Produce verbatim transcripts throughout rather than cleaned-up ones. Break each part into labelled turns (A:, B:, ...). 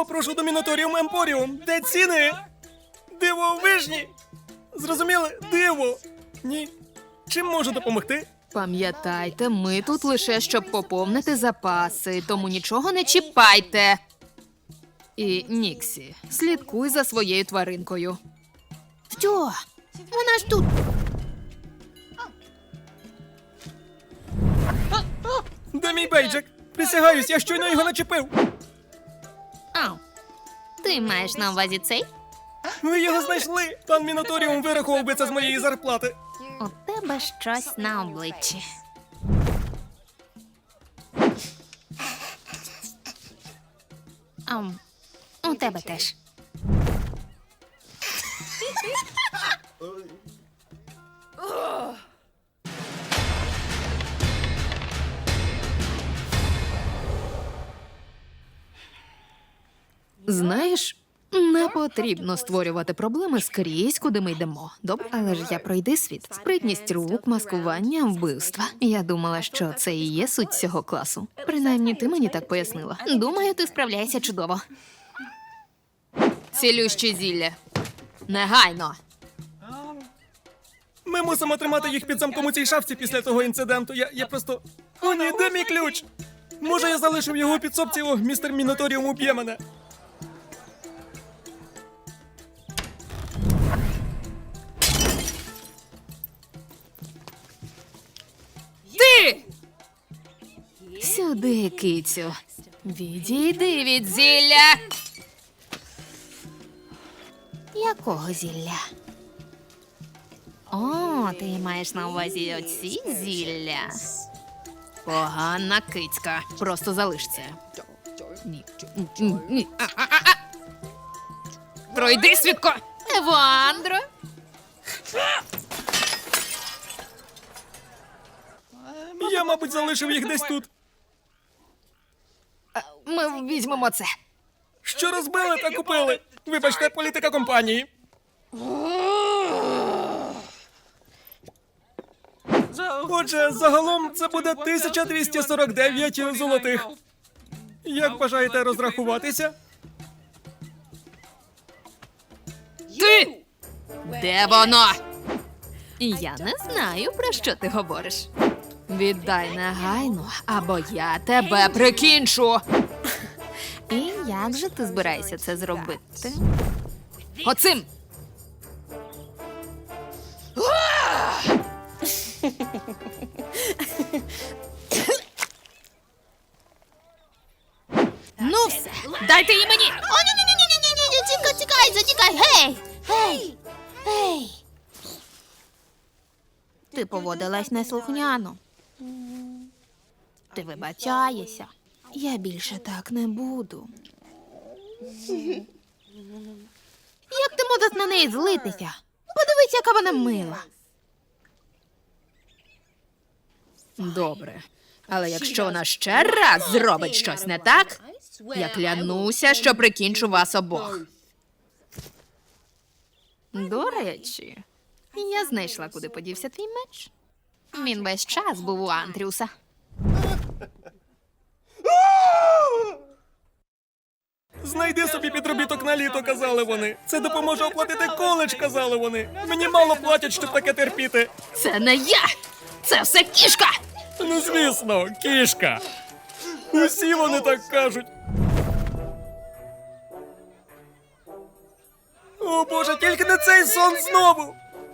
A: попрошу до Міноторіум Емпоріум. Де ціни? Дивовижні! Зрозуміли? Диво! Ні. Чим можу допомогти?
B: Пам'ятайте, ми тут лише щоб поповнити запаси, тому нічого не чіпайте. І, Ніксі, слідкуй за своєю тваринкою.
C: Що? Вона ж тут.
A: Де мій бейджик? Присягаюсь, я щойно його начепив.
C: Ау. Ти маєш на увазі цей?
A: Ви його знайшли. Пан Міноторіум вирахував би це з моєї зарплати.
C: У тебе щось на обличчі. Ам, у тебе теж.
B: Знаєш, не потрібно створювати проблеми скрізь, куди ми йдемо. Добре? Але ж я пройди світ. Спритність рук, маскування, вбивства. Я думала, що це і є суть цього класу. Принаймні, ти мені так пояснила.
C: Думаю, ти справляєшся чудово.
B: Цілюще зілля. Негайно.
A: Ми мусимо тримати їх під замком у цій шафці після того інциденту. Я, я просто... О, ні, де мій ключ? Може, я залишив його у підсобці, о, містер Міноторіум уб'є мене.
B: Ти! Сюди, кицю. Відійди від зілля.
C: Якого зілля? О, ти маєш на увазі оці зілля.
B: Погана кицька. Просто залиш це. Ні. Ні. Ні. А, а, а, а. Пройди, свідко!
C: Евандро!
A: Я, мабуть, залишив їх десь тут.
B: Ми візьмемо це.
A: Що розбили та купили? Вибачте, політика компанії. Отже, загалом це буде тисяча двісті сорок дев'ять золотих. Як бажаєте розрахуватися?
B: Ти! Де воно? Я не знаю, про що ти говориш. Віддай негайно, або я тебе прикінчу.
C: І як же ти збираєшся це зробити?
B: Оцим! Ну все, дайте її мені!
C: О, ні-ні-ні-ні-ні-ні! Тікай, тікай, затікай! Гей! Гей! Гей! Ти поводилась неслухняно. Ти вибачаєшся. Я більше так не буду. Як ти можеш на неї злитися? Подивись, яка вона мила.
B: Добре. Але якщо вона ще раз зробить щось не так, я клянуся, що прикінчу вас обох. До речі, я знайшла, куди подівся твій меч.
C: Він весь час був у Андрюса.
A: Знайди собі підробіток на літо, казали вони. Це допоможе оплатити коледж, казали вони. Мені мало платять, щоб таке терпіти.
B: Це не я! Це все кішка!
A: Ну, звісно, кішка. Усі вони так кажуть. О, Боже, тільки не цей сон знову.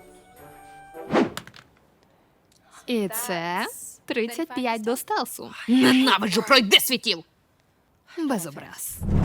B: І це тридцять п'ять до стелсу. Ненавиджу, пройди світів! Без образ.